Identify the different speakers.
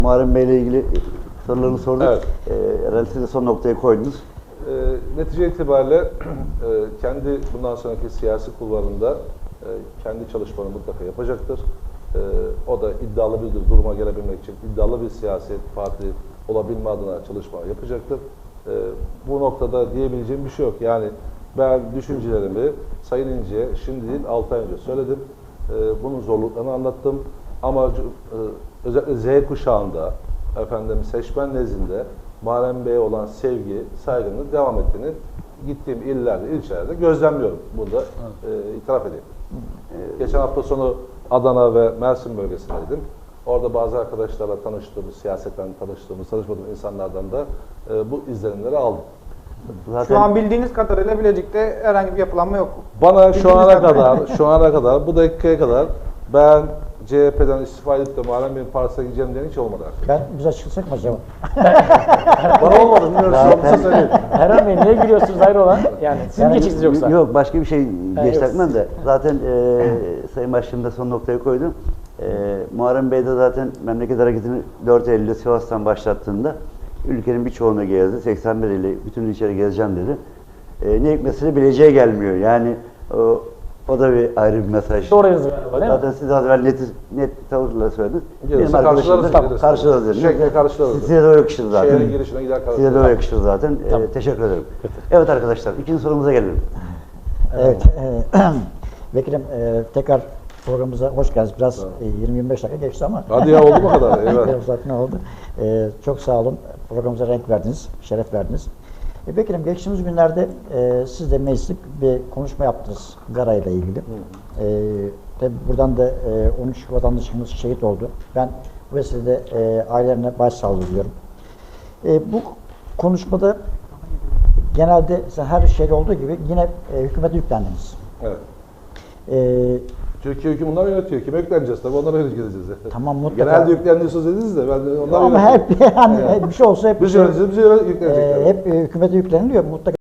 Speaker 1: Muharrem Bey ile ilgili sorularını sorduk.
Speaker 2: Evet.
Speaker 1: Herhalde siz de son noktayı koydunuz.
Speaker 2: Netice itibariyle kendi bundan sonraki siyasi kulvarında kendi çalışmalarını mutlaka yapacaktır. O da iddialı bir duruma gelebilmek için iddialı bir siyasi parti olabilme adına çalışma yapacaktır. Bu noktada diyebileceğim bir şey yok. Yani ben düşüncelerimi Sayın İnce'ye şimdi değil 6 ay önce söyledim. Bunun zorluklarını anlattım. Ama özellikle Z kuşağında seçmen nezdinde Muharrem Bey'e olan sevgi, saygının devam ettiğini gittiğim illerde, ilçelerde gözlemliyorum. Bunu da itiraf edeyim. Geçen hafta sonu Adana ve Mersin bölgesindeydim. Orada bazı arkadaşlarla tanıştığımız, siyasetten tanışmadığım insanlardan da bu izlenimleri aldım.
Speaker 3: Zaten şu an bildiğiniz kadarıyla Bilecik'te herhangi bir yapılanma yok.
Speaker 2: Bana şu ana kadar, bu dakikaya kadar ben CHP'den istifa edip de Muharrem Bey'in partisine gideceğim diyen hiç olmadı artık.
Speaker 4: Biz açılsak mı acaba?
Speaker 2: Bana olmadı, bilmiyorum.
Speaker 3: Erhan Bey niye gülüyorsunuz hayrola? Yani siz mi geçiksiniz yoksa?
Speaker 1: Yok, başka bir şey geçti
Speaker 3: yok.
Speaker 1: aklımdan da. Zaten Sayın Başkanım da son noktayı koydu. Muharrem Bey de zaten memleket hareketini 4 Eylül'de Sivas'tan başlattığında ülkenin birçoğunu gezdi. 81 ili bütün ilçeleri gezeceğim dedi. Ne hikmetse Bilecik'e gelmiyor. Yani o da bir ayrı bir mesaj.
Speaker 3: Doğru yazıyor galiba, değil mi?
Speaker 1: Zaten siz az evvel net tavırla söylediniz.
Speaker 2: Gelirse
Speaker 1: Benim arkadaşım da
Speaker 2: karşılarız.
Speaker 1: karşılarız.
Speaker 2: Şekle karşılarız.
Speaker 1: Size de o yakışır zaten.
Speaker 2: Şehrin girişine gider karşılarız.
Speaker 1: Size de o yakışır zaten. Teşekkür ederim. Evet arkadaşlar, ikinci sorumuza gelelim.
Speaker 4: Evet. Vekilim tekrar programımıza hoş geldiniz. Biraz 20-25 dakika geçti ama.
Speaker 2: Hadi ya, oldu mu kadar? Evet.
Speaker 4: Zaten oldu. Çok sağ olun. Programımıza renk verdiniz, şeref verdiniz. Vekilim geçtiğimiz günlerde siz de mecliste bir konuşma yaptınız Gara ile ilgili. Tabii buradan da 13 vatandaşımız şehit oldu. Ben bu vesilede ailelerine başsağlığı diliyorum. Bu konuşmada genelde her şeyde olduğu gibi yine hükümete yüklendiniz.
Speaker 2: Evet. Türkiye hüküm bunlar yönetiyor. Kime yükleneceğiz tabii, onlara yöneteceğiz.
Speaker 4: Tamam, mutlaka.
Speaker 2: Genelde yüklendiğiniz dediniz de ben de onlara
Speaker 4: ama hep yani bir şey olsa hep
Speaker 2: biz yöneteceğiz, bize yüklenecekler.
Speaker 4: hep hükümete yükleniliyor mutlaka.